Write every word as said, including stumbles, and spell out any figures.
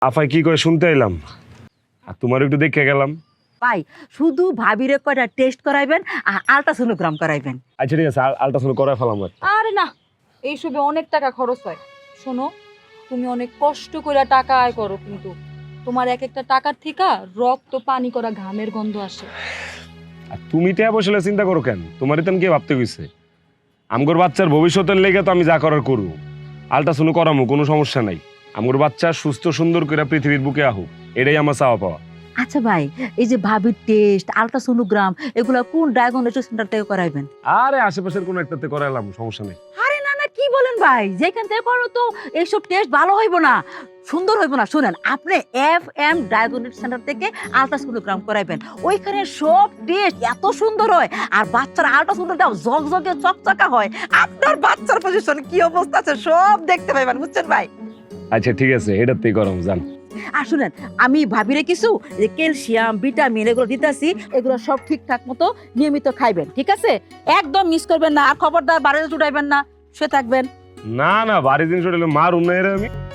আফাই কি করে শুনতে এলাম, আর তোমার একটু দেখে গেলাম। ভাই শুধু ভাবিরে কয়টা টেস্ট করাইবেন আর আল্ট্রাসোনোগ্রাম করাইবেন। আচ্ছা ঠিক আছে, আলট্রাসাউন্ড করাই ফেলাম। আরে না, এইসবে অনেক টাকা খরচ হয়। শোনো, তুমি অনেক কষ্ট করে টাকা আয় করো, কিন্তু তোমার এক একটা টাকার থেকে রক্ত পানি করা ঘামের গন্ধ আসে। আর তুমি তো বসলে চিন্তা করো কেন? তোমারই তো কে ভাবতে গেছে আমগোর বাচ্চার ভবিষ্যতের লেগে তো আমি যা করার করু। আলট্রাসাউন্ড করামো, কোনো সমস্যা নাই। আমগোর বাচ্চা সুস্থ সুন্দর করে পৃথিবীর বুকে আহুক, এটাই আমার চাওয়া পাওয়া। আচ্ছা ভাই, এই যে ভাবির টেস্ট আল্ট্রাসোনোগ্রাম এগুলা কোন ডায়াগনস্টিক সেন্টার থেকে করাইবেন? আরে আশেপাশের কোনো একটাতে করাইলাম, সমস্যা নেই। আরে না না, কি বলেন ভাই, যেখান থেকে করো তো এইসব টেস্ট ভালো হইব না, সুন্দর হইব না। শুনেন, আপনি এফ এম ডায়াগনস্টিক সেন্টার থেকে আল্ট্রাসোনোগ্রাম করাইবেন। ওইখানে সব টেস্ট এত সুন্দর হয়, আর বাচ্চার আল্ট্রাসোনোগ্রাম জগজগে চকচকা হয়। আপনার বাচ্চার পজিশন কি অবস্থা আছে সব দেখতে পাইবেন, বুঝছেন ভাই? আচ্ছা ঠিক আছে, এটাতেই করাম, জান। আর শুনেন, আমি ভাবিরে কিছু যে ক্যালসিয়াম ভিটামিন এগুলো দিতেছি, এগুলো সব ঠিকঠাক মতো নিয়মিত খাইবেন, ঠিক আছে? একদম মিস করবেন না, আর খবরদার বাড়িতে উঠাইবেন না, শুয়ে থাকবেন। না না, বাড়ি জিনিস মার উন্নয়নের আমি